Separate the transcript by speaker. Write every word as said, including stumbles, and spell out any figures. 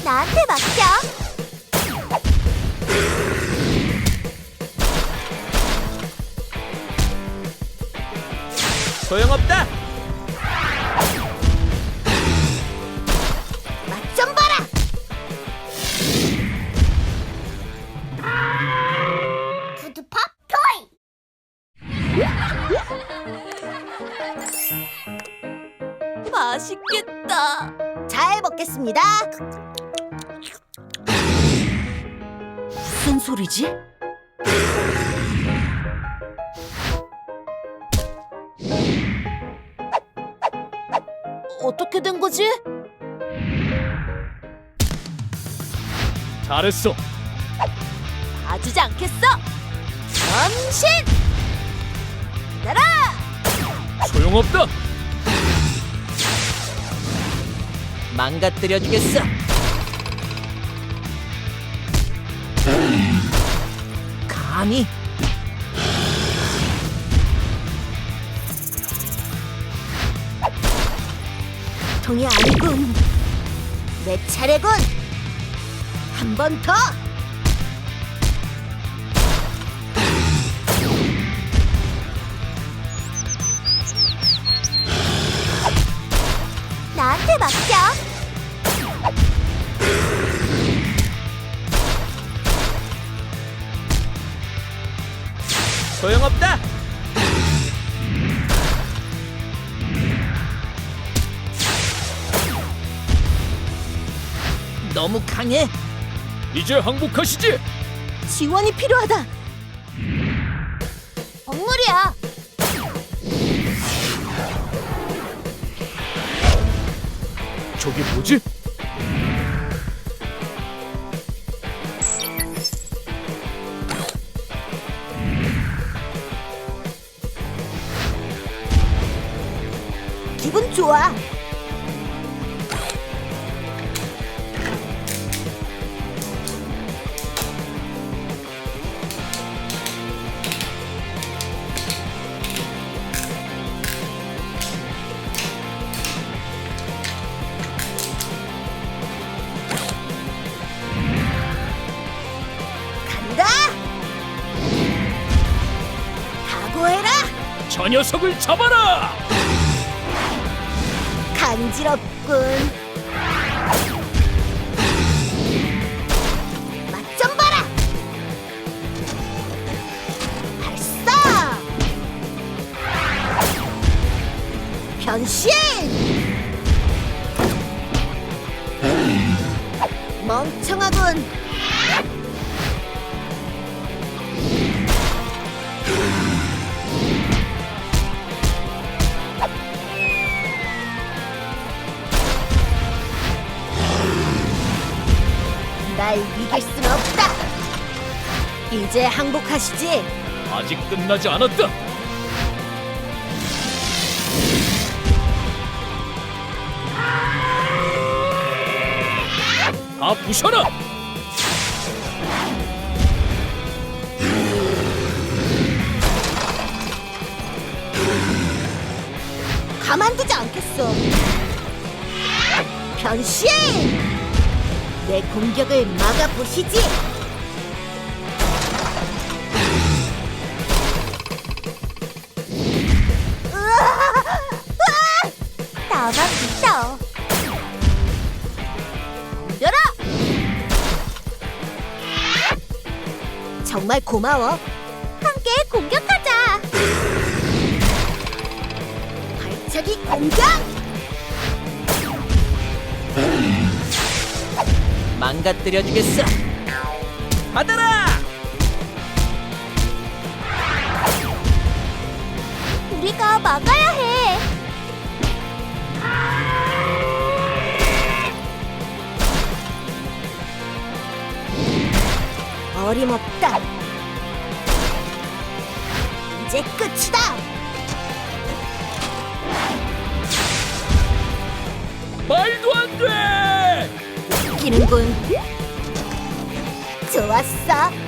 Speaker 1: 나한테 맡겨.
Speaker 2: 소용없다.
Speaker 1: 맛 좀 봐라. 푸드팝 토이. 맛있겠다. 잘 먹겠습니다. 무슨 소리지? 어떻게 된 거지?
Speaker 2: 잘했어.
Speaker 1: 봐주지 않겠어. 전신 날아.
Speaker 2: 소용없다. 망가뜨려 주겠어. 감히. 통이 아니군. 내 차례군. 한 번 더. 나한테 맡겨. 소용없다. 너무 강해. 이제 항복하시지.
Speaker 1: 지원이 필요하다. 억물이야.
Speaker 2: 저게 뭐지?
Speaker 1: 기분 좋아. 간다. 각오해라.
Speaker 2: 저 녀석을 잡아라.
Speaker 1: 간지럽군. 맛 좀 봐라. 발사. 변신. 멍청하군. 날 이길 순 없다. 이제 항복하시지.
Speaker 2: 아직 끝나지 않았다. 다 부셔라.
Speaker 1: 가만두지 않겠어. 변신! 내 공격을 막아보시지. 으아! 으아! 나만 믿어. 덤벼라! 정말 고마워. 함께 공격하자. 발차기 공격!
Speaker 2: 망가뜨려 주겠어. 받아라.
Speaker 1: 우리가 막아야 해. 어림없다. 이제 끝이다.
Speaker 2: 말도 안 돼.
Speaker 1: 웃기는군. 좋았어.